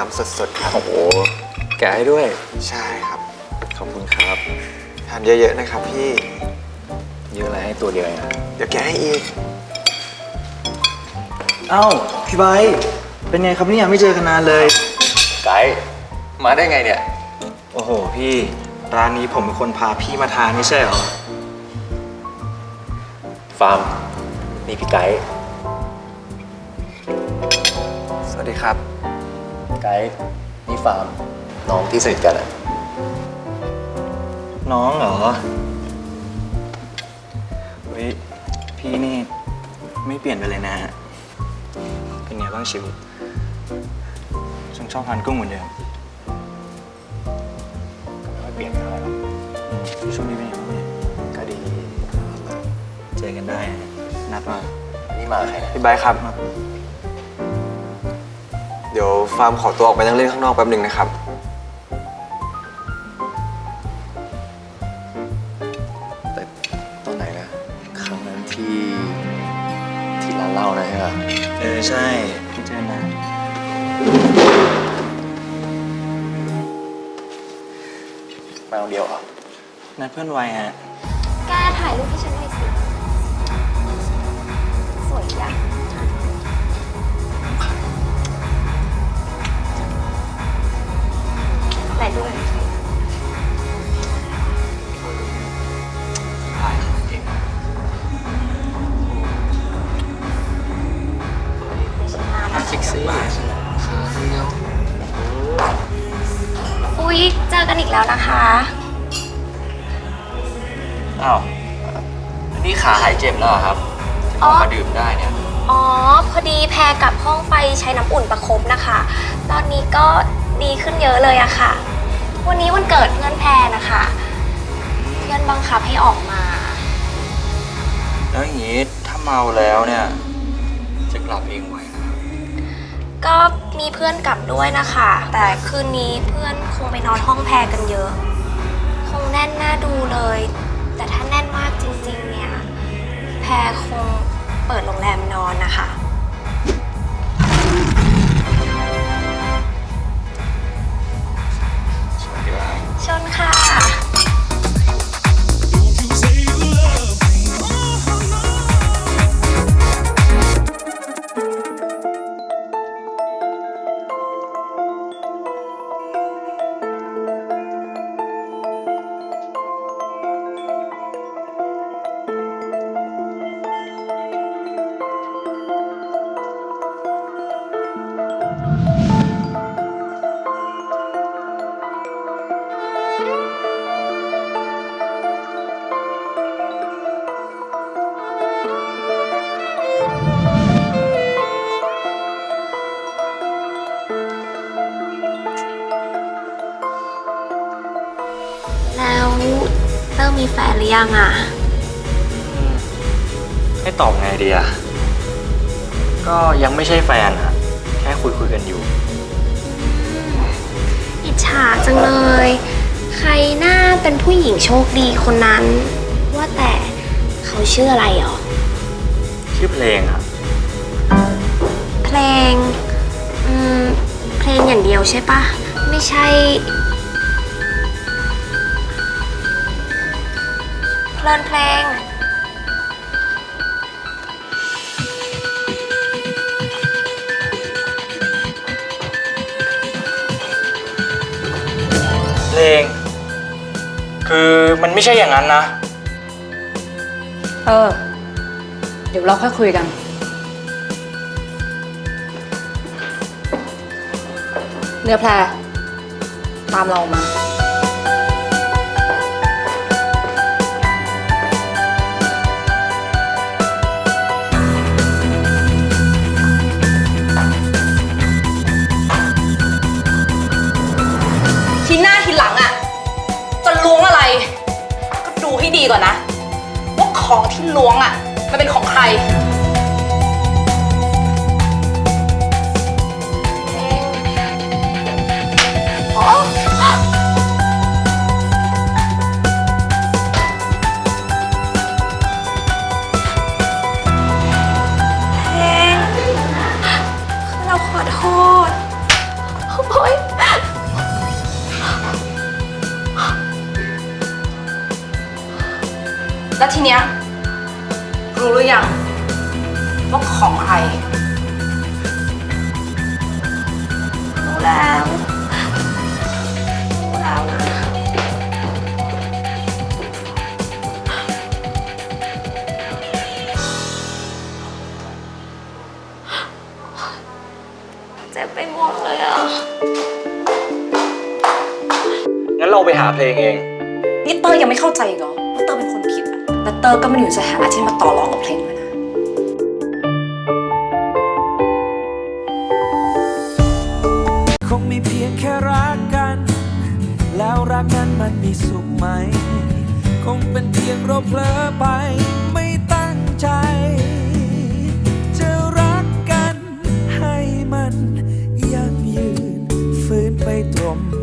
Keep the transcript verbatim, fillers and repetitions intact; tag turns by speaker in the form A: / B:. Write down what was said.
A: ำสดๆครับ
B: โอ้โหแกะให้ด้วย
A: ใช่ครับ
B: ขอบคุณครับ
A: ทานเยอะๆนะครับพี่
B: เยอะอะไรให้ตัวเดียวเองอะ
A: เดี๋ยวแกะให้อีก
C: เอ้าพี่ไบร์ทเป็นไงครับเนี่ยไม่เจอกันนานเลย
B: ไกด์มาได้ไงเนี่ย
C: โอ้โหพี่ร้านนี้ผมเป็นคนพาพี่มาทานไม่ใช่เหรอ
B: ฟาร์มนี่พี่ไกด์
A: สวัสดีครับ
B: ไกด์นี่ฟาร์มน้องที่สนิทกันอะ
C: น้องเหรอเฮ้ยพี่นี่ไม่เปลี่ยนไปเลยนะฮะเป็นไงบ้างชีวิตฉันชอบทานกุ้งเหมือนเดิม
B: ไม่เปลี่ยนอะไรหรอก
C: อืมช่วงนี้เป็นยังไงบ้างเนี่ย
B: ก็ดี
C: เจอกันได้นะนัดมา
B: นี่มาใครนะ
A: พี่ไบร์ทครับ เดี๋ยวฟาร์มขอตัวออกไปนั่งเล่นข้างนอกแป๊บหนึ่งนะครับ
B: แต่ตอนไหนนะครั้งนั้นที่ที่ร้านเหล้านะใช่ไหม
C: เออใช่พี่เจอนะ
B: มาคนเดียวเหรอ
C: นัดเพื่อนไว้ฮะ
D: แกถ่ายรูปให้ฉันหน่อยสิ สวยจังไหนดูหน่อยสิ
B: ถ่ายเก่ง
D: เดี๋ยวฉันมานะ
B: เซ็กซี่
D: อุ๊ย เจอกันอีกแล้วนะคะ
B: อ้าวนี่ขาหายเจ็บแล้วเหรอครับที่ผมมาดื่มได้เนี่ย
D: อ๋อ พอดีแพรกลับห้องไปใช้น้ำอุ่นประคบนะคะ ตอนนี้ก็ดีขึ้นเยอะเลยอะค่ะ วันนี้วันเกิดเพื่อนแพรนะคะ เพื่อนบังคับให้ออกมา
C: แล้วอย่างนี้ถ้าเมาแล้วเนี่ย
B: จะกลับเองไหวนะครับ
D: ก็มีเพื่อนกลับด้วยนะคะ แต่คืนนี้เพื่อนคงไปนอนห้องแพรกันเยอะ คงแน่นหน้าดูเลย แต่ถ้าแน่นมากจริงๆเนี่ย แพรคงเปิดโรงแรมนอนนะคะ
B: สวัสดีครับ
D: ชนค่ะ แล้วเริ่มมีแฟนหรือยังอ่ะ
C: ให้ตอบไงดีอะก็ยังไม่ใช่แฟนอะแค่คุยคุยๆกันอยู่
D: อิจฉาจังเลย ใครหน้าเป็นผู้หญิงโชคดีคนนั้น ว่าแต่เขาชื่ออะไรหรอ
C: ชื่อเพลงอะ
D: เพลง อืม เพลงอย่างเดียวใช่ปะ ไม่ใช่ เพลินเพลง
C: เพลง คือมันไม่ใช่อย่างนั้นนะ
E: เออ เดี๋ยวเราค่อยคุยกัน เนื้อแพรตามเรามา ทีหน้าทีหลังอ่ะ จะล้วงอะไร ก็ดูให้ดีก่อนนะ ว่าของที่ล้วงอ่ะ มันเป็นของใคร
D: เพลงคือเราขอโทษ ขอ
E: แล้วทีเนี้ยรู้หรือยังว่าของใคร
D: รู้แล้วรู้แล้วนะเจ็บไปหมดเลยอ่ะ
C: งั้นเราไปหาเพลงเอง
E: นี่เตอร์ยังไม่เข้าใจอีกเหรอว่าเตอร์เป็นคนผิดอะและเตอร์ก็ไม่ได้อยู่ในสถานะที่มาต่อรองกับเพลงด้วยนะ
F: คงมีเพียงแค่รักกัน แล้วรักนั้นมันมีสุขไหม คงเป็นเพียงเราเผลอไปไม่ตั้งใจ จะรักกันให้มันยั่งยืนฝืนไปตรม